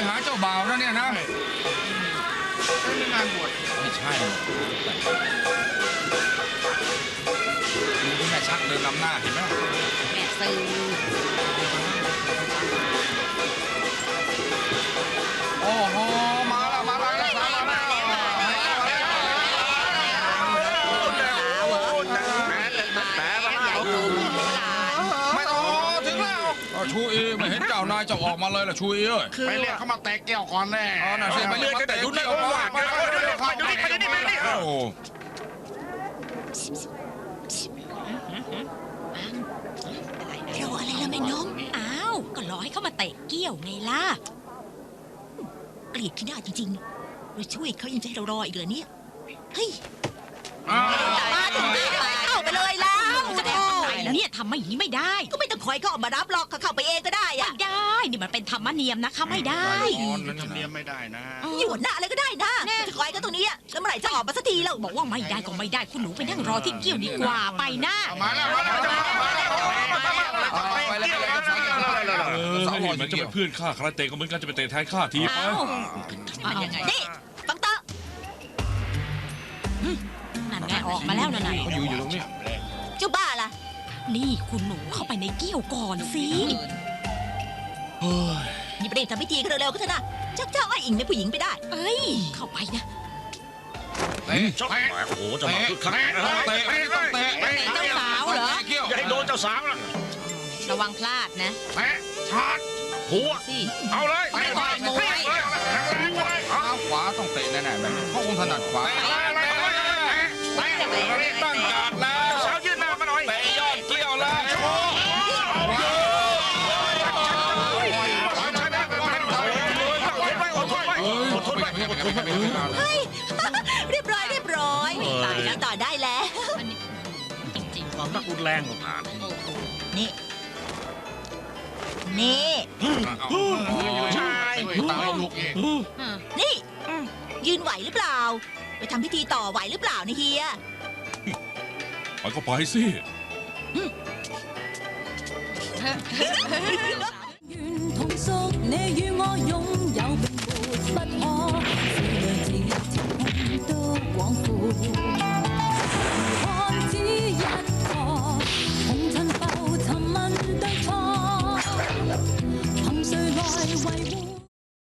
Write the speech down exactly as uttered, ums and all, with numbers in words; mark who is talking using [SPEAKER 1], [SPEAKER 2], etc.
[SPEAKER 1] หาเจ้าบ่าวนะเนี่ยนะ
[SPEAKER 2] ไม่งานบวช
[SPEAKER 1] ไม่ใช่ดูที่แม่ชักเดินนำหน้าเห็นไหม
[SPEAKER 3] แม่ซื้อ
[SPEAKER 1] โอ้โหมาแล้วมาแล้วมาแล้วมาแล้วไม่ต้องถึงแล้วชูอีไม่เห็นเจ้านายจะออกมาเลยล่ะชูอีเอ้ย
[SPEAKER 2] ไปเรียกเขามาแตกแก้วก่อนแน่
[SPEAKER 1] อ๋อน่ะสิไปเรียกมาเตะเกี่ยวมาไปโอ้
[SPEAKER 3] รออะไรล่ะแม่นมอ้าวก็รอให้เขามาเตะเกี้ยวไงล่ะเกลียดขี้หน้าจริงๆเราช่วยเขายังจะให้เรารออีกเหรอเนี่ยเฮ้ยมาถึงนี่ไปเข้าไปเลยแล้วจะได้ทำไมล่ะเนี่ยทำไม่อย่างนี้ไม่ได้ก็ไม่ต้องคอยเขาออกมารับหรอกเขาเข้าไปเองก็ได้อะไม่ได้นี่มันเป็นธรรมเนียมนะคะไม่ได้
[SPEAKER 2] ทำเนียมไม่ได้นะ
[SPEAKER 3] อยู่หน้าอะไรก็ได้นะจะคอยก็ตรงนี้แล้วเมื่อไหร่จะออกมาสักทีแล้วบอกว่าไม่ได้ก็ไม่ได้คุณหนูไปนั่งรอที่เกี้ยวดีกว่าไปนะ
[SPEAKER 2] มาแล้วมาแล้วมาแล้ว
[SPEAKER 1] ไปแล้วไปแล้ว
[SPEAKER 4] เออเหมือนจะเป็นเพื่อนข้าคาราเต้ก็เหมือนกันจะไปเตะแทนข้าทีไป
[SPEAKER 3] มันยังไงนี่ฟังต่อนั่นไงออกมาแล้วนั่นไง
[SPEAKER 1] เขาอยู่อยู่ตรงนี้
[SPEAKER 3] เจ้าบ้าล่ะนี่คุณหนูเข้าไปในเกี้ยวก่อนสิ
[SPEAKER 4] เฮ้ย
[SPEAKER 3] นี่ไปเร่งทำพิธีกันเร็วๆก็เถอะนะชักเจ้าไอ้อิงเป็นผู้หญิงไปได้เอ้ยเข้าไปนะ
[SPEAKER 1] เตะ
[SPEAKER 4] ชอบโอ้โหจะมาคึกคัก
[SPEAKER 1] เตะเตะต้องเตะ
[SPEAKER 3] เจ้าสาวเหรอ
[SPEAKER 1] เกี่ยว
[SPEAKER 4] อย่าให้โดนเจ้าสาวนะ
[SPEAKER 3] ระวังพลาดนะ
[SPEAKER 2] แปะชาร์จ
[SPEAKER 4] หัว
[SPEAKER 3] สิ
[SPEAKER 4] เอาเลย
[SPEAKER 2] ไปไปไปไป
[SPEAKER 1] เท้าขวาต้องเตะแน่ๆแบบนี้เพราะองค์ถนัดขวาตั้งการแล้ว
[SPEAKER 4] สาวยืนหน้ามาหน่อย
[SPEAKER 1] เตะยอดเกี่ยวแล้วโชว์เฮ้ย
[SPEAKER 3] เรียบร้อยเรียบร้อยตายแล้วต่อได้แล้ว
[SPEAKER 4] ความรักรุนแรงกว่าผ่าน
[SPEAKER 3] นี่นี่
[SPEAKER 2] ชายตาลูกเอง
[SPEAKER 3] นี่ยืนไหวหรือเปล่าไปทำพิธีต่อไหวหรือเปล่านะเฮีย
[SPEAKER 4] ไปก็ไปสิ
[SPEAKER 5] 同宿，你與